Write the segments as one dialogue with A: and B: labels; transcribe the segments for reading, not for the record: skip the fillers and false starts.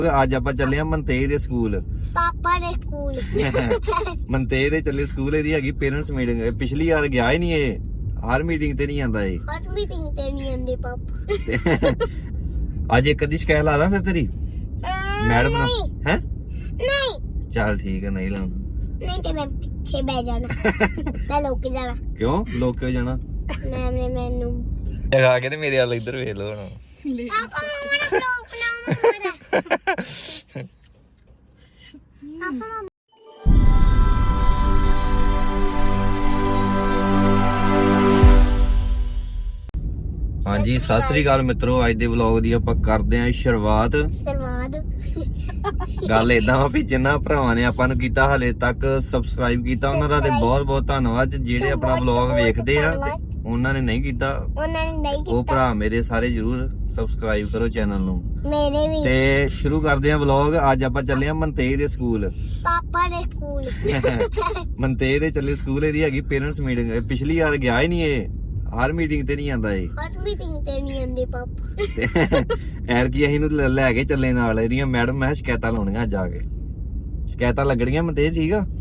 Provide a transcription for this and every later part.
A: ਅੱਜ ਆਪਾਂ ਚੱਲੇ ਆ ਮਨਤੇਜ ਦੇ ਸਕੂਲ।
B: ਪਾਪਾ ਦੇ ਸਕੂਲ
A: ਮਨਤੇਜ ਦੇ ਚੱਲੇ ਸਕੂਲ। ਇਹਦੀ ਹੈਗੀ ਪੇਰੈਂਟਸ ਮੀਟਿੰਗ। ਪਿਛਲੀ ਵਾਰ ਗਿਆ ਹੀ ਨਹੀਂ ਇਹ, ਹਰ ਮੀਟਿੰਗ ਤੇ ਨਹੀਂ ਆਂਦਾ ਇਹ।
B: ਹਰ ਮੀਟਿੰਗ ਤੇ ਨਹੀਂ ਆਂਦੇ ਪਾਪਾ।
A: ਅੱਜ ਇੱਕ ਅੱਧੀ ਸ਼ਿਕਾਇਤ ਲਾ ਦਾਂ ਫਿਰ ਤੇਰੀ ਮੈਡਮ ਨਾਲ, ਹੈ?
B: ਨਹੀਂ
A: ਚੱਲ ਠੀਕ ਹੈ, ਨਹੀਂ ਲਾਉਂਦਾ।
B: ਨਹੀਂ ਤੇ ਮੈਂ ਪਿੱਛੇ ਬਹਿ ਜਾਣਾ। ਮੈਂ ਲੁਕ ਜਾਣਾ।
A: ਕਿਉਂ ਲੋਕ ਕਿਉਂ ਜਾਣਾ?
B: ਮੈਮ ਨੇ ਮੈਨੂੰ
A: ਲਗਾ ਕੇ ਤੇ ਮੇਰੇ ਵੱਲ ਇੱਧਰ ਵੇਖ ਲੋ ਹੁਣ।
B: ਪਾਪਾ ਮੇਰਾ ਵਲੌਗ ਬਣਾਉਣਾ। ਪਾਪਾ
A: ਹਾਂਜੀ, ਸਤਿ ਸ੍ਰੀ ਅਕਾਲ ਮਿੱਤਰੋ। ਅੱਜ ਦੇ ਵਲੌਗ ਦੀ ਆਪਾਂ ਕਰਦੇ ਆਂ ਸ਼ੁਰੂਆਤ। ਗੱਲ ਏਦਾਂ ਵਾ ਵੀ ਜਿੰਨਾ ਭਰਾਵਾਂ ਨੇ ਆਪਾਂ ਨੂੰ ਕੀਤਾ ਹਲੇ ਤੱਕ ਸਬਸਕ੍ਰਾਈਬ ਕੀਤਾ, ਉਹਨਾਂ ਦਾ ਤੇ ਬਹੁਤ ਬਹੁਤ ਧੰਨਵਾਦ। ਜਿਹੜੇ ਆਪਣਾ ਵਲੌਗ ਵੇਖਦੇ ਆ ਤੇ ਉਹਨਾਂ ਨੇ ਨਹੀਂ ਕੀਤਾ, ਉਹ ਭਰਾ ਮੇਰੇ ਸਾਰੇ ਜਰੂਰ ਸਬਸਕ੍ਰਾਈਬ ਕਰੋ ਚੈਨਲ ਨੂੰ।
B: ਮੇਰੇ ਵੀ।
A: ਤੇ ਸ਼ੁਰੂ ਕਰਦੇ ਆਂ ਵਲੌਗ। ਅੱਜ ਆਪਾਂ ਚੱਲੇ ਆਂ ਮਨਤੇਜ ਦੇ ਸਕੂਲ।
B: ਪਾਪਾ ਦੇ ਸਕੂਲ
A: ਮਨਤੇਜ ਦੇ ਚੱਲੇ ਸਕੂਲ। ਇਹਦੀ ਹੈਗੀ ਪੇਰੈਂਟਸ ਮੀਟਿੰਗ। ਪਿਛਲੀ ਵਾਰ ਗਿਆ ਹੀ ਨਹੀਂ ਇਹ, ਹਰ ਮੀਟਿੰਗ ਤੇ ਨਹੀਂ ਆਂਦਾ ਇਹ।
B: ਹਰ ਮੀਟਿੰਗ ਤੇ ਨਹੀਂ ਆਂਦੇ ਪਾਪਾ।
A: ਐਰ ਕੀ ਅਸੀਂ ਨੂੰ ਲੈ ਕੇ ਚੱਲੇ ਨਾਲ। ਇਹਦੀਆਂ ਮੈਡਮ ਮੈਂ ਸ਼ਿਕਾਇਤਾਂ ਲਾਉਣੀਆਂ ਜਾ ਕੇ। ਸ਼ਿਕਾਇਤਾਂ ਲੱਗਣੀਆਂ ਮਨਤੇਜ, ਠੀਕ ਆ?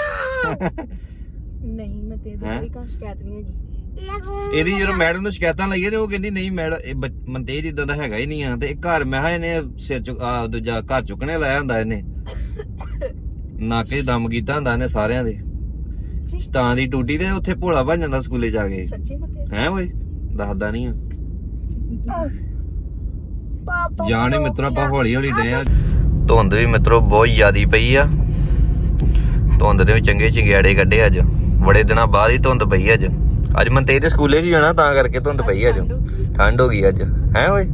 C: ਨਹੀਂ ਮੈਂ ਤੇ ਕੋਈ ਸ਼ਿਕਾਇਤ ਨਹੀਂ ਹੈਗੀ।
A: ਇਹਦੀ ਜਦੋਂ ਮੈਡਮ ਨੂੰ ਸ਼ਿਕਾਇਤਾਂ ਲਾਈਏ ਤੇ ਉਹ ਕਹਿੰਦੀ ਨਹੀਂ ਮੈਡਮ ਇਹ ਮਨਤੇਜ ਇਦਾਂ ਦਾ ਹੈਗਾ ਹੀ ਨਹੀਂ ਆ। ਤੇ ਘਰ ਮੈਂ ਕਿਹਾ ਇਹਨੇ ਸਿਰ ਚੁੱਕ ਦੂਜਾ ਘਰ ਚੁੱਕਣੇ ਲਾਇਆ ਹੁੰਦਾ ਇਹਨੇ। ਨਾਕੇ ਦਮ ਕੀਤਾ ਹੁੰਦਾ ਇਹਨੇ ਸਾਰਿਆਂ ਦੇ। ਸ਼ਤਾਂ ਦੀ ਟੂਟੀ ਤੇ ਉੱਥੇ ਭੋਲਾ ਬਣ ਜਾਂਦਾ ਸਕੂਲੇ ਜਾ ਕੇ।
C: ਸੱਚੀ ਮਤੇ
A: ਹੈ ਓਏ, ਦੱਸਦਾ ਨਹੀਂ ਆ।
B: ਪਾਪਾ
A: ਜਾਣੇ ਮਿੱਤਰੋ ਆਪਾਂ ਹੌਲੀ ਹੌਲੀ ਡੇ ਆ। ਧੁੰਦ ਵੀ ਮਿੱਤਰੋ ਬਹੁਤ ਜ਼ਿਆਦੀ ਪਈ ਆ। ਧੁੰਦ ਦੇ ਵੀ ਚੰਗੇ ਚੰਗਿਆੜੇ ਕੱਢੇ ਅੱਜ। ਬੜੇ ਦਿਨਾਂ ਬਾਅਦ ਹੀ ਧੁੰਦ ਪਈ ਅੱਜ। ਅੱਜ ਮਨਤੇਜ ਦੇ ਸਕੂਲੇ 'ਚ ਜਾਣਾ ਤਾਂ ਕਰਕੇ ਧੁੰਦ ਪਈ ਅੱਜ। ਠੰਡ ਹੋ ਗਈ ਅੱਜ, ਹੈ ਓਏ?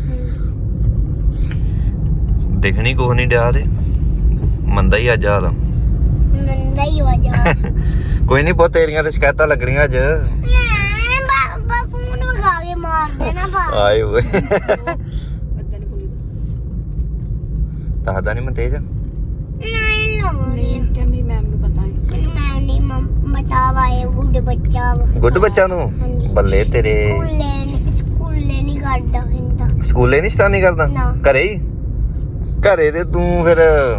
A: ਦਿਖਣੀ ਕੁਛ ਨਹੀਂ ਡਿਆ ਤੇ ਮੰਦਾ ਹੀ ਅੱਜ ਹਾਲ।
B: ਮੰਦਾ ਹੀ ਹੋ ਜਾ।
A: ਕੋਈ ਨਹੀਂ, ਬਹੁਤ ਤੇਰੀਆਂ ਤੇ ਸ਼ਿਕਾਇਤਾਂ ਲੱਗਣੀਆਂ ਅੱਜ।
B: ਬਾਬਾ ਫੋਨ ਵਗਾ ਕੇ ਮਾਰ ਦੇਣਾ ਬਾ।
A: ਆਏ ਓਏ,
C: ਅੱਦਾਂ ਨਹੀਂ ਬੋਲੀ
A: ਦੱਸਦਾ ਨਹੀਂ ਮਨਤੇਜ।
B: ਨਹੀਂ ਲਾਉਣੀ।
C: ਨਹੀਂ ਕਿ ਮੇਰੀ ਮੈਮ ਨੂੰ ਪਤਾ ਹੈ।
B: ਮੈਂ ਨਹੀਂ ਬਤਾਵਾ ਇਹ ਗੁੱਡ ਬੱਚਾ ਵਾ।
A: ਗੁੱਡ ਬੱਚਾ ਨੂੰ
B: ਹਾਂਜੀ।
A: ਬੱਲੇ ਤੇਰੇ।
B: ਸਕੂਲੇ ਨਹੀਂ ਕਰਦਾ ਹੁੰਦਾ।
A: ਸਕੂਲੇ ਨਹੀਂ ਸਟਾਨੀ ਕਰਦਾ,
B: ਨਾ।
A: ਘਰੇ ਹੀ? ਘਰੇ ਤੇ ਤੂੰ ਫਿਰ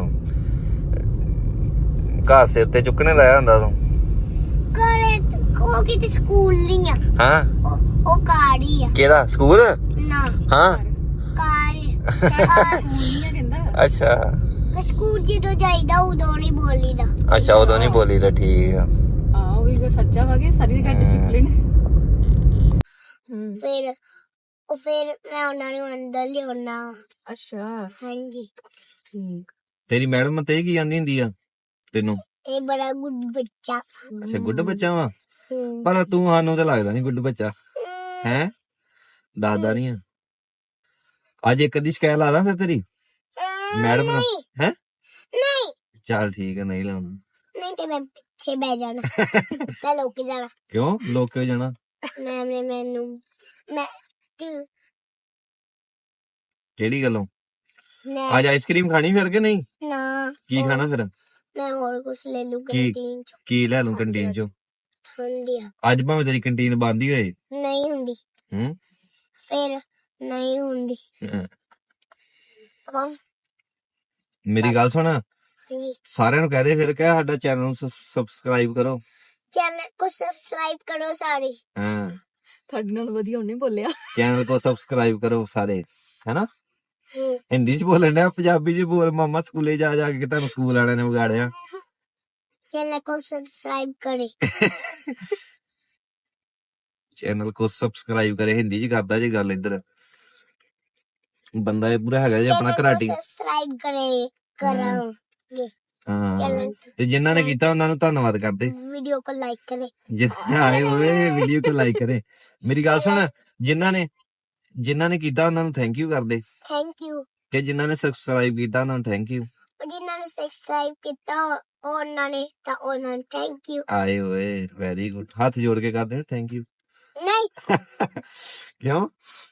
A: ਘਰ ਸਿਰ ਤੇ ਚੁੱਕਣੇ ਲਾਇਆ ਹੁੰਦਾ ਤੂੰ।
B: ਘਰੇ ਉਹ ਕਿਤੇ ਸਕੂਲ ਨਹੀਂ ਆ।
A: ਹਾਂ,
B: ਉਹ ਕਾਰ ਹੀ ਆ।
A: ਕਿਹੜਾ ਸਕੂਲ?
B: ਨਾ
A: ਹਾਂ,
B: ਕਾਰ
C: ਨਹੀਂ ਕਹਿੰਦਾ।
A: ਅੱਛਾ
B: ਸਕੂਲ ਜਦੋਂ ਜਾਈਦਾ ਉਦੋਂ ਨਹੀਂ ਬੋਲੀਦਾ।
A: ਅੱਛਾ, ਉਦੋਂ ਨਹੀਂ ਬੋਲੀ ਤਾਂ ਠੀਕ ਆ।
C: ਉਹ ਵੀ ਜੋ ਸੱਚਾ ਵਗੇ ਸਾਰੀ ਜਗ੍ਹਾ ਡਿਸਪਲਿਨ।
B: ਫਿਰ ਮੈਂ ਉਹਨਾਂ ਨੂੰ ਅੰਦਰ ਲਿਆਉਣਾ।
C: ਅੱਛਾ
B: ਹਾਂਜੀ।
C: ਠੀਕ।
A: ਤੇਰੀ ਮੈਡਮ ਤੇ ਕੀ ਆਂਦੀ ਹੁੰਦੀ ਆ ਤੈਨੂੰ?
B: ਇਹ ਬੜਾ ਗੁੱਡ ਬੱਚਾ।
A: ਅੱਛਾ, ਗੁੱਡ ਬੱਚਾ ਵਾ। ਪਰ ਤੂੰ ਸਾਨੂੰ ਤਾਂ ਲੱਗਦਾ ਨਹੀਂ ਗੁੱਡ ਬੱਚਾ, ਹੈ? ਦੱਸਦਾ ਨਹੀਂ ਆ। ਅੱਜ ਇੱਕ ਅੱਧੀ ਸ਼ਿਕਾਇਤ ਲਾ ਦਾਂ ਫਿਰ ਤੇਰੀ ਮੈਡਮ ਨਾਲ, ਹੈ?
B: ਨਹੀਂ
A: ਚੱਲ ਠੀਕ ਹੈ, ਨਹੀਂ ਲਾਉਂਦਾ।
B: ਨਹੀਂ ਤੇ ਮੈਂ ਪਿੱਛੇ ਬਹਿ ਜਾਣਾ। ਮੈਂ ਲੁਕ ਜਾਣਾ।
A: ਕਿਉਂ ਲੋਕ ਕਿਉਂ ਜਾਣਾ?
B: ਮੈਮ ਨੇ ਮੈਨੂੰ
A: ਕਿਹੜੀ ਗੱਲੋਂ?
B: ਮੈਂ
A: ਅੱਜ ਆਈਸਕ੍ਰੀਮ ਖਾਣੀ ਫਿਰ ਕਿ ਨਹੀਂ?
B: ਨਾ
A: ਕੀ ਖਾਣਾ ਫਿਰ?
B: ਮੈਂ ਹੋਰ ਕੁਝ ਲੈ ਲੂ
A: ਕੀ?
B: ਕੰਟੀਨ ਚ।
A: ਕੀ ਲੈ ਲੂੰ ਕੰਟੀਨ ਚੋਂ?
B: ਹੁੰਦੀ ਆ।
A: ਅੱਜ ਭਾਵੇਂ ਤੇਰੀ ਕੰਟੀਨ ਬੰਦ ਹੀ ਹੋਏ।
B: ਨਹੀਂ ਹੁੰਦੀ।
A: ਹੂੰ,
B: ਫਿਰ ਨਹੀਂ ਹੁੰਦੀ। ਪਾਪਾ
A: ਮੇਰੀ ਗੱਲ ਸੁਣ,
B: ਹਾਂਜੀ।
A: ਸਾਰਿਆਂ ਨੂੰ ਕਹਿ ਦੇ ਫਿਰ ਕਹਿ ਸਾਡਾ ਚੈਨਲ ਨੂੰ ਸਬਸਕ੍ਰਾਈਬ ਕਰੋ।
B: ਚੈਨਲ को सब्सक्राइब करो सारे।
A: ਹਾਂ,
C: ਤੁਹਾਡੇ ਨਾਲ ਵਧੀਆ ਉਹਨੇ ਬੋਲਿਆ।
A: ਚੈਨਲ ਕੋ ਸਬਸਕ੍ਰਾਈਬ ਕਰੋ ਸਾਰੇ, ਹੈਨਾ? ਹਿੰਦੀ ਚ ਬੋਲਣ ਡਿਆ, ਪੰਜਾਬੀ ਚ ਬੋਲ ਮਾਮਾ। ਸਕੂਲੇ ਜਾ ਜਾ ਕੇ ਤੁਹਾਨੂੰ ਸਕੂਲ ਵਾਲਿਆਂ ਨੇ ਵਿਗਾੜਿਆ।
B: चैनल को सब्सक्राइब करे।
A: ਚੈਨਲ ਕੋ ਸਬਸਕ੍ਰਾਈਬ ਕਰੇ, ਹਿੰਦੀ ਚ ਕਰਦਾ ਜੇ ਗੱਲ। ਇੱਧਰ ਬੰਦਾ ਇਹ ਪੂਰਾ ਹੈਗਾ ਜੇ ਆਪਣਾ ਘਰਾਟੀ।
B: सब्सक्राइब करे करांगे।
A: ਹਾਂ,
B: चैनल
A: ਤੇ ਜਿਨ੍ਹਾਂ ਨੇ ਕੀਤਾ ਉਹਨਾਂ ਨੂੰ ਧੰਨਵਾਦ ਕਰਦੇ।
B: वीडियो को लाइक करे।
A: ਜਿੰਨੇ ਆਏ ਹੋਏ ਵੀਡੀਓ ਕੋ ਲਾਈਕ ਕਰੇ। ਮੇਰੀ ਗੱਲ ਸੁਣ, ਜਿਨ੍ਹਾਂ ਨੇ ਕੀਤਾ ਉਹਨਾਂ ਨੂੰ ਥੈਂਕ ਯੂ ਕਰਦੇ,
B: थैंक यू।
A: ਤੇ ਜਿਨ੍ਹਾਂ ਨੇ ਸਬਸਕ੍ਰਾਈਬ ਕੀਤਾ ਉਹਨਾਂ ਨੂੰ ਥੈਂਕ ਯੂ।
B: जिन्होंने सब्सक्राइब किया उन्होंने थैंक यू।
A: ਆਏ ਹੋਏ, ਵੈਰੀ ਗੁੱਡ। ਹੱਥ ਜੋੜ ਕੇ ਕਰਦੇ ਨੇ ਥੈਂਕ ਯੂ।
B: नहीं
A: ਕਿਉਂ?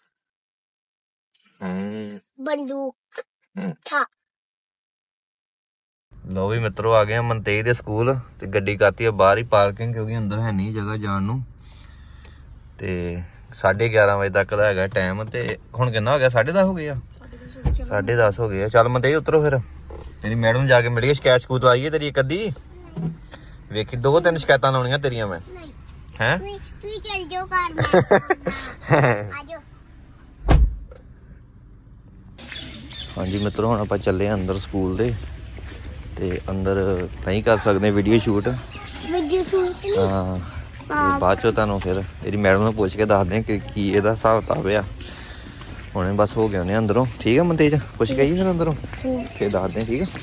A: ਹਾਂ,
B: बंदूक था।
A: ਲੋ ਵੀ ਮਿੱਤਰੋ, ਆ ਗਏ ਆ ਮਨਤੇਜ ਦੇ ਸਕੂਲ। ਤੇ ਗੱਡੀ ਕਰਤੀ ਆ ਬਾਹਰ ਹੀ ਪਾਰਕਿੰਗ, ਕਿਉਂਕਿ ਅੰਦਰ ਹੈ ਨਹੀਂ ਜਗ੍ਹਾ ਜਾਣ ਨੂੰ। ਤੇ 11:30 ਵਜੇ ਤੱਕ ਦਾ ਹੈਗਾ ਟਾਈਮ। ਤੇ ਹੁਣ ਕਿੰਨਾ ਹੋ ਗਿਆ? 10:30 ਹੋ ਗਏ ਆ। 10:30 ਹੋ ਗਏ ਆ। ਚੱਲ ਮੰਦੇ ਉਤਰੋ ਫਿਰ, ਤੇਰੀ ਮੈਡਮ ਨੂੰ ਜਾ ਕੇ ਮਿਲੀਏ, ਸ਼ਿਕਾਇਤ ਸਕੂਤ ਲਾਈਏ ਤੇਰੀ ਇੱਕ ਅੱਧੀ। ਵੇਖੀ 2-3 ਸ਼ਿਕਾਇਤਾਂ ਲਾਉਣੀਆਂ ਤੇਰੀਆਂ ਮੈਂ।
B: ਨਹੀਂ
A: ਹੈ
B: ਤੂੰ ਚੱਲ ਜਾਓ ਘਰ ਆਜੋ।
A: ਹਾਂਜੀ ਮਿੱਤਰੋ, ਹੁਣ ਆਪਾਂ ਚੱਲੇ ਆ ਅੰਦਰ ਸਕੂਲ ਦੇ, ਤੇ ਅੰਦਰ ਨਹੀਂ ਕਰ ਸਕਦੇ ਵੀਡੀਓ ਸ਼ੂਟ।
B: ਵੀਡੀਓ ਸ਼ੂਟ
A: ਹਾਂ, ਤੇ ਬਾਅਦ ਚੋਂ ਤੁਹਾਨੂੰ ਫਿਰ ਇਹਦੀ ਮੈਡਮ ਨੂੰ ਪੁੱਛ ਕੇ ਦੱਸਦੇ ਆ ਕਿ ਕੀ ਇਹਦਾ ਹਿਸਾਬ ਕਿਤਾਬ ਆ। ਹੁਣੇ ਬਸ ਹੋ ਗਏ ਉਹਨੇ ਅੰਦਰੋਂ। ਠੀਕ ਆ ਮਨਤੇਜ, ਪੁੱਛ ਕੇ ਆਈਏ ਫਿਰ ਅੰਦਰੋਂ, ਫਿਰ ਦੱਸਦੇ ਆ। ਠੀਕ ਆ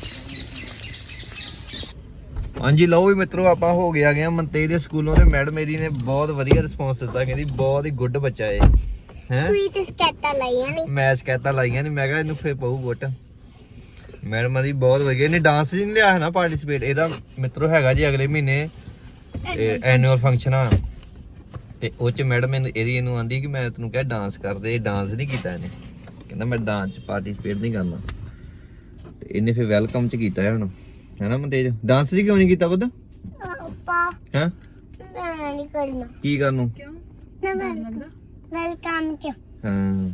A: ਹਾਂਜੀ, ਲਓ ਵੀ ਮਿੱਤਰੋ, ਆਪਾਂ ਹੋ ਗਿਆ ਗਏ ਮਨਤੇਜ ਦੇ ਸਕੂਲੋਂ, ਤੇ ਮੈਡਮ ਮੇਰੀ ਨੇ ਬਹੁਤ ਵਧੀਆ ਰਿਸਪੌਂਸ ਦਿੱਤਾ, ਕਹਿੰਦੀ ਬਹੁਤ ਹੀ ਗੁੱਡ ਬੱਚਾ ਏ। ਹੈ
B: ਕੋਈ ਤੇ ਸਕੈਟਾਂ ਲਾਈਆਂ ਨਹੀਂ,
A: ਮੈਂ ਸ਼ਿਕਾਇਤਾਂ ਲਾਈਆਂ ਨਹੀਂ, ਮੈਂ ਕਿਹਾ ਇਹਨੂੰ ਫਿਰ ਪਊ ਗੁੱਟ। ਮੈਡਮ ਦੀ ਬਹੁਤ ਵਧੀਆ। ਇਹਨੇ ਡਾਂਸ ਜੀ ਨਹੀਂ ਲਿਆ ਹੈ ਨਾ ਪਾਰਟਿਸਿਪੇਟ। ਇਹਦਾ ਮਿੱਤਰੋ ਹੈਗਾ ਜੀ ਅਗਲੇ ਮਹੀਨੇ ਐਨੂਅਲ ਫੰਕਸ਼ਨ ਆ, ਤੇ ਉਹ ਚ ਮੈਡਮ ਇਹਨੂੰ ਆਂਦੀ ਕਿ ਮੈਂ ਤੈਨੂੰ ਕਿਹਾ ਡਾਂਸ ਕਰਦੇ, ਡਾਂਸ ਨਹੀਂ ਕੀਤਾ ਇਹਨੇ। ਕਹਿੰਦਾ ਮੈਂ ਡਾਂਸ ਚ ਪਾਰਟਿਸਿਪੇਟ ਨਹੀਂ ਕਰਨਾ, ਤੇ ਇਹਨੇ ਫਿਰ ਵੈਲਕਮ ਚ ਕੀਤਾ ਹੈ ਹੁਣ, ਹੈਨਾ ਮਨਤੇਜ? ਡਾਂਸ ਜੀ ਕਿਉਂ ਨਹੀਂ ਕੀਤਾ ਪੁੱਤ?
B: ਪਾਪਾ
A: ਹਾਂ
B: ਮੈਂ ਨਹੀਂ ਕਰਨਾ।
A: ਕੀ ਕਰਨ ਨੂੰ?
C: ਕਿਉਂ?
B: ਨਾ ਵੈਲਕਮ ਚ।
A: ਹਾਂ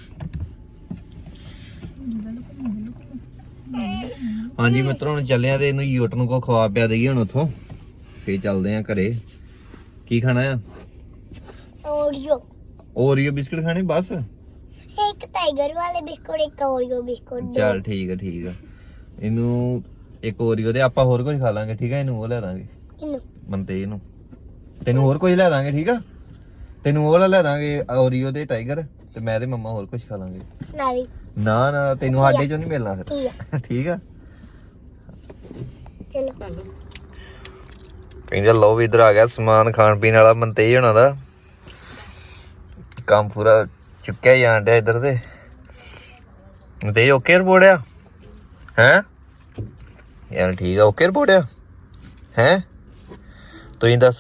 A: ਹਾਂਜੀ ਮਿੱਤਰੋ, ਹੁਣ ਚੱਲੇ ਆ ਤੇ ਇਹਨੂੰ ਯੂਟ ਨੂੰ ਕੋ ਖਵਾ ਪਿਆ ਦੇਈਏ ਹੁਣ ਉੱਥੋਂ, ਫੇਰ ਚੱਲਦੇ ਆ ਘਰੇ। ਕੀ ਖਾਣਾ ਆ? ਓਰੀਓ ਬਿਸਕੁਟ ਖਾਣੇ ਬਸ?
B: ਇੱਕ ਟਾਈਗਰ ਵਾਲੇ ਬਿਸਕੁਟ, ਇੱਕ ਓਰੀਓ ਬਿਸਕੁਟ।
A: ਚੱਲ ਠੀਕ ਆ ਠੀਕ ਆ, ਇਹਨੂੰ ਇੱਕ ਓਰੀਓ ਦੇ, ਆਪਾਂ ਹੋਰ ਕੁਝ ਖਾ ਲਾਂਗੇ। ਠੀਕ ਆ, ਇਹਨੂੰ ਉਹ ਲੈ ਦਾਂਗੇ
B: ਇਹਨੂੰ
A: ਮੰਤੇ ਨੂੰ, ਤੈਨੂੰ ਹੋਰ ਕੁਝ ਲੈ ਦਾਂਗੇ। ਠੀਕ ਆ, ਤੈਨੂੰ ਉਹ ਲੈ ਦਾਂਗੇ ਓਰੀਓ ਦੇ ਟਾਈਗਰ, ਤੇ ਮੈਂ ਤੇ ਮੰਮਾ ਹੋਰ ਕੁਝ ਖਾ ਲਾਂਗੇ।
B: ਮੈਂ ਵੀ।
A: ਨਾ ਨਾ, ਤੈਨੂੰ ਸਾਡੇ ਚੋਂ ਨਹੀਂ ਮਿਲਣਾ ਫਿਰ।
B: ਠੀਕ ਆ
A: ਠੀਕ ਆ,
B: ਚਲੋ।
A: ਕਹਿੰਦੇ ਲਓ ਵੀ ਇੱਧਰ ਆ ਗਿਆ ਸਮਾਨ ਖਾਣ ਪੀਣ ਵਾਲਾ ਮਨਤੇਜ ਹੋਣਾ ਦਾ। ਕੰਮ ਪੂਰਾ ਚੁੱਕਿਆ ਹੀ ਆਣ ਡਿਆ ਇੱਧਰ ਤੇ। ਮਨਤੇਜ ਓਕੇ ਰਿਪੋਰਟ ਆ? ਹੈ ਯਾਰ ਠੀਕ ਆ, ਓਕੇ ਰਿਪੋਰਟ ਆ? ਹੈ ਤੁਸੀਂ ਦੱਸ।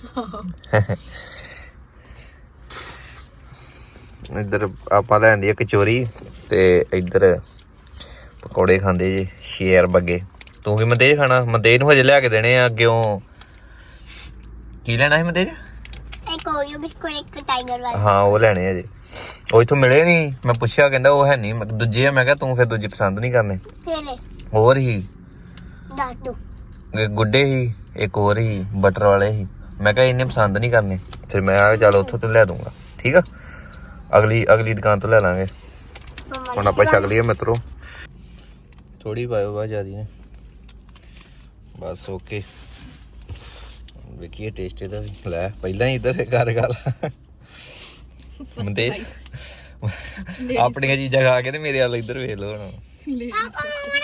A: ਇੱਧਰ ਆਪਾਂ ਲੈਂਦੀ ਆ ਕਚੋਰੀ, ਤੇ ਇੱਧਰ ਪਕੌੜੇ ਖਾਂਦੇ ਜੀ ਸ਼ੇਰ ਬੱਗੇ। ਤੂੰ ਕੀ ਮਨਤੇਜ ਖਾਣਾ? ਮਨਤੇਜ ਨੂੰ ਹਜੇ ਲਿਆ ਕੇ ਦੇਣੇ ਆ ਅੱਗਿਓਂ। ਕੀ ਲੈਣਾ ਸੀ ਮਨਤੇਜ?
B: ਇੱਕ ਓਰੀਓ ਬਿਸਕੁਟ, ਇੱਕ ਟਾਈਗਰ ਵਾਲਾ।
A: ਹਾਂ ਉਹ ਲੈਣੇ ਆ ਜੀ, ਉਹ ਇੱਥੋਂ ਮਿਲੇ ਨਹੀਂ। ਮੈਂ ਪੁੱਛਿਆ, ਕਹਿੰਦਾ ਉਹ ਹੈ ਨਹੀਂ, ਦੂਜੇ ਆ। ਮੈਂ ਕਿਹਾ ਤੂੰ ਫਿਰ ਦੂਜੇ ਪਸੰਦ ਨਹੀਂ ਕਰਨੇ।
B: ਕਿਹੜੇ?
A: ਹੋਰ ਹੀ
B: ਦੱਸ ਦੋ।
A: ਗੁੱਡੇ ਹੀ, ਇੱਕ ਹੋਰ ਹੀ ਬਟਰ ਵਾਲੇ ਹੀ। ਮੈਂ ਕਿਹਾ ਇੰਨੇ ਪਸੰਦ ਨਹੀਂ ਕਰਨੇ। ਫਿਰ ਮੈਂ ਆ ਚੱਲ ਉੱਥੋਂ ਤੋਂ ਲੈ ਦੂੰਗਾ। ਠੀਕ ਆ, ਅਗਲੀ ਦੁਕਾਨ ਤੋਂ ਲੈ ਲਾਂਗੇ। ਹੁਣ ਆਪਾਂ ਛਕ ਲਈਏ ਮਿੱਤਰੋ। ਥੋੜੀ ਪਾਇਓ ਬਾ ਜਿਆਦੀ ਨੇ ਬਸ। ਓਕੇ, ਵੇਖੀਏ ਟੇਸਟ ਇਹਦਾ ਵੀ। ਲੈ ਪਹਿਲਾਂ ਹੀ ਇੱਧਰ ਗੱਲ ਮੰਦੇ ਆਪਣੀਆਂ ਚੀਜ਼ਾਂ ਖਾ ਕੇ ਤੇ ਮੇਰੇ ਵੱਲ ਇੱਧਰ ਵੇਖ ਲਓ ਹੁਣ।
B: ਪਾਪਾ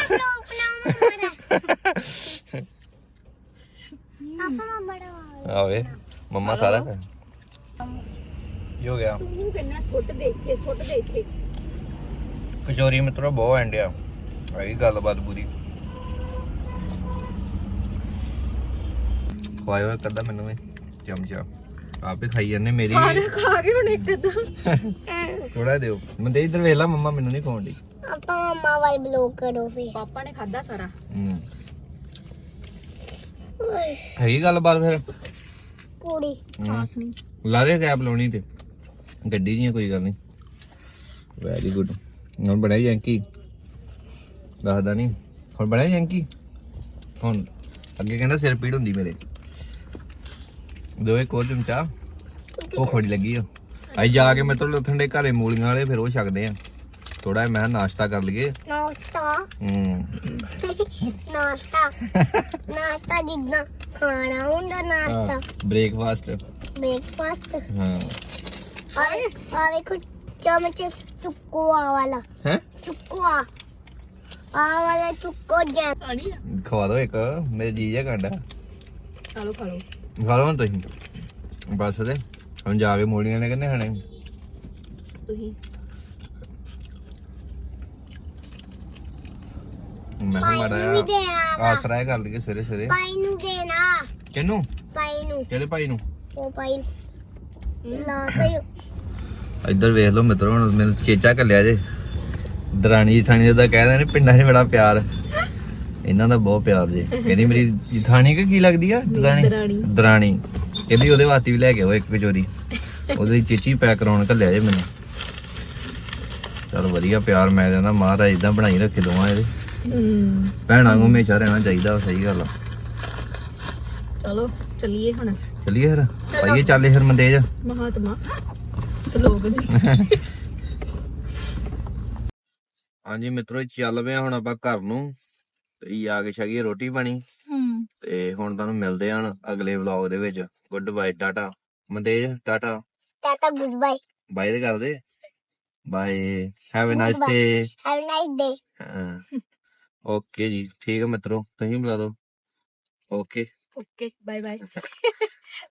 B: ਮੈਂ ਬੜਾ
A: ਆਵੇ ਮੰਮਾ ਸਾਰਾ ਕਰ ਕੀ ਹੋ ਗਿਆ?
C: ਤੂੰ ਕਿੰਨਾ ਸੁੱਟ ਦੇਖੇ
A: ਕਚੋਰੀ ਮਿੱਤਰੋ ਬਹੁਤ ਐਂਡਿਆ ਆਈ ਗੱਲਬਾਤ ਪੂਰੀ। ਖਵਾਇਓ ਇੱਕ ਅੱਧਾ ਮੈਨੂੰ ਵੀ ਚਮਚਾ, ਆਪੇ ਖਾਈ ਜਾਂਦੇ ਮੇਰੀ।
C: ਸਾਰੇ ਖਾ ਗਏ ਹੁਣ ਇੱਕ ਅੱਧਾ।
A: ਥੋੜਾ ਦਿਓ ਮੰਦੇ, ਇੱਧਰ ਵੇਖ ਲਾ ਮੰਮਾ ਮੈਨੂੰ ਨਹੀਂ ਖਵਾਉਂਦੀ।
B: ਆਪਾਂ ਮਮਾ ਵਾਲ ਬਲੌਕ ਕਰੋ ਫੇ।
C: ਪਾਪਾ ਨੇ ਖਾਦਾ ਸਾਰਾ।
A: ਹੈਗੀ ਗੱਲਬਾਤ ਫਿਰ?
B: ਕੁੜੀ
C: ਖਾਸ ਨਹੀਂ।
A: ਲਾ ਦੇ ਕੈਪ ਲਾਉਣੀ ਤੇ ਗੱਡੀ ਦੀਆਂ, ਕੋਈ ਗੱਲ ਨਹੀਂ। Very good. ਹੁਣ ਬਣਿਆ ਜੈਂਕੀ, ਦੱਸਦਾ ਨਹੀਂ ਹੁਣ ਬਣਿਆ ਜੈਂਕੀ। ਹੁਣ ਅੱਗੇ ਕਹਿੰਦਾ ਸਿਰ ਪੀੜ ਹੁੰਦੀ ਮੇਰੇ। ਦੋ ਇੱਕ ਹੋਰ ਚਮਚਾ, ਉਹ ਖੋੜੀ ਲੱਗੀ ਆ। ਅਸੀਂ ਜਾ ਕੇ ਮਤਲਬ ਠੰਡੇ ਘਰੇ ਮੂਲੀਆਂ ਵਾਲੇ, ਫਿਰ ਉਹ ਛਕਦੇ ਆ ਥੋੜਾ। ਮੈਂ ਨਾਸ਼ਤਾ ਕਰ ਲਈਏ।
B: ਨਾਸ਼ਤਾ ਨਾਸ਼ਤਾ ਜਿੱਦਾਂ ਖਾਣਾ ਹੁੰਦਾ ਨਾਸ਼ਤਾ।
A: ਬ੍ਰੇਕਫਾਸਟ।
B: ਹਾਂ ਆ ਵੇਖੋ ਚਮਚ ਚੁੱਕੋ ਵਾਲਾ।
A: ਹੈ
B: ਚੁੱਕੋ ਆ ਵਾਲਾ ਚੁੱਕੋ ਜੈ।
C: ਆਣੀ ਆ,
A: ਖਵਾ ਦੋ ਇੱਕ, ਮੇਰੇ ਜੀਜਾ ਕਾਂਡਾ।
C: ਖਾ ਲਓ
A: ਖਾ ਲਓ ਹੁਣ ਤੁਸੀਂ ਬਸ। ਤੇ ਹੁਣ ਜਾ ਕੇ ਮੂਲੀਆਂ ਨੇ ਕਿੰਨੇ ਖਾਣੇ?
C: ਤੁਸੀਂ
A: ਮੈਂ ਕਿਹਾ ਮਾੜਾ ਆਸਰਾ ਕਰ ਲਈਏ ਸਵੇਰੇ ਸਵੇਰੇ।
B: ਪਾਈ ਨੂੰ ਦੇਣਾ।
A: ਕਿਹਨੂੰ?
B: ਪਾਈ ਨੂੰ।
A: ਕਿਹੜੇ ਭਾਈ ਨੂੰ?
B: ਉਹ ਪਾਈ ਲਾ ਤਾ।
A: ਇੱਧਰ ਵੇਖ ਲਓ ਮਿੱਤਰੋ, ਹੁਣ ਮੈਨੂੰ ਚੇਚਾ ਕੱਲਿਆ ਜੇ। ਦਰਾਣੀ ਜਠਾਣੀ ਦਾ ਕਹਿੰਦੇ ਨੇ ਪਿੰਡਾਂ 'ਚ ਬੜਾ ਪਿਆਰ, ਇਹਨਾਂ ਦਾ ਬਹੁਤ ਪਿਆਰ ਜੇ। ਕਹਿੰਦੀ ਮੇਰੀ ਜਠਾਣੀ ਕਿ ਕੀ ਲੱਗਦੀ ਆ? ਦਰਾਣੀ ਕਹਿੰਦੀ ਉਹਦੇ ਵਾਸਤੇ ਵੀ ਲੈ ਕੇ ਆਓ ਇੱਕ ਕਚੋਰੀ। ਉਹਦੀ ਚੀਚੀ ਪੈਕ ਕਰਾਉਣ ਕੱਲਿਆ ਜੇ ਮੈਨੂੰ। ਚਲ ਵਧੀਆ ਪਿਆਰ ਮੈਂ ਕਹਿੰਦਾ ਮਹਾਰਾਜ ਇਦਾਂ ਬਣਾਈ ਰੱਖੇ ਦੋਵਾਂ ਇਹਦੇ
C: ਹੂੰ
A: ਭੈਣਾਂ ਨੂੰ ਹਮੇਸ਼ਾ ਰਹਿਣਾ ਚਾਹੀਦਾ ਸਹੀ ਗੱਲ ਆ
C: ਚਲੋ ਚੱਲੀਏ ਹੁਣ
A: ਚਲਿਏ ਫਿਰ ਪਾਈਏ ਚੱਲੇ ਫਿਰ ਮੰਦੇਜ
C: ਮਹਾਤਮਾ ਸਲੋਗਨ
A: ਹਾਂਜੀ ਮਿੱਤਰੋ ਚੱਲ ਪਿਆ ਹੁਣ ਆਪਾਂ ਘਰ ਨੂੰ ਤੇ ਆ ਕੇ ਛਕੀਏ ਰੋਟੀ ਪਾਣੀ
C: ਹੂੰ
A: ਤੇ ਹੁਣ ਤੁਹਾਨੂੰ ਮਿਲਦੇ ਹਾਂ ਅਗਲੇ ਵਲੌਗ ਦੇ ਵਿੱਚ ਗੁੱਡ ਬਾਏ ਟਾਟਾ ਮੰਦੇਜ tata
B: tata good bye
A: bye ਦੇ ਕਰਦੇ bye have a nice day
B: have a nice day
A: okay ਜੀ ਠੀਕ ਹੈ ਮਿੱਤਰੋ ਤੁਸੀਂ ਬੁਲਾ ਦਿਓ ਓਕੇ
C: ਓਕੇ ਬਾਏ ਬਾਏ